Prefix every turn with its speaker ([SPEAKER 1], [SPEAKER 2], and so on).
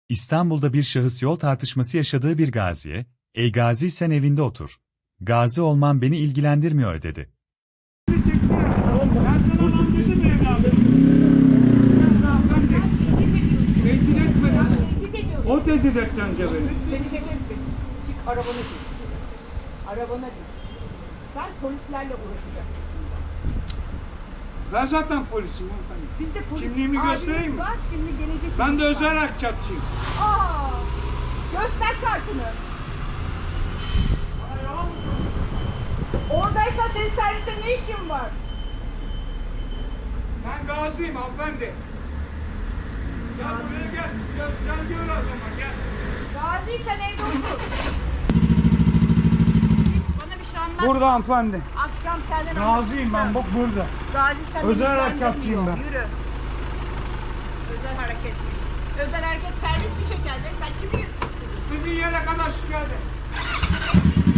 [SPEAKER 1] İstanbul'da bir şahıs yol tartışması yaşadığı bir gaziye, "Ey gazi sen evinde otur. Gazi olman beni ilgilendirmiyor." dedi.
[SPEAKER 2] Ben sana lan dedim mi evladım? Tehdit etmeden o tehdit etti önce beni.
[SPEAKER 3] Seni dedim ki, çık arabana git. Arabana git. Sen polislerle uğraşacaksın.
[SPEAKER 2] Ben zaten polisim.
[SPEAKER 3] Biz de polis.
[SPEAKER 2] Kimliğimi
[SPEAKER 3] abimiz
[SPEAKER 2] göstereyim mi?
[SPEAKER 3] var, şimdi gelecek.
[SPEAKER 2] Ben de
[SPEAKER 3] polis
[SPEAKER 2] özel
[SPEAKER 3] var.
[SPEAKER 2] harekatçıyım.
[SPEAKER 3] Aa, göster kartını. Oradaysan senin serviste ne işin var?
[SPEAKER 2] Ben gaziyim hanımefendi. Gel buraya gel. Gel gör o zaman gel.
[SPEAKER 3] Gazi sen evde otur. Bana bir şey anlat.
[SPEAKER 2] Burada hanımefendi.
[SPEAKER 3] Akşam kendin
[SPEAKER 2] Gaziyim ben bak burada.
[SPEAKER 3] Gazi sen
[SPEAKER 2] Özel
[SPEAKER 3] beni
[SPEAKER 2] harekatçıyım
[SPEAKER 3] ilgilendirmiyor.
[SPEAKER 2] ben.
[SPEAKER 3] Yürü. Özel hareketmiş. Özel hareket servis mi çeker? Sen kimi
[SPEAKER 2] İstediğin yere kadar şikayet et.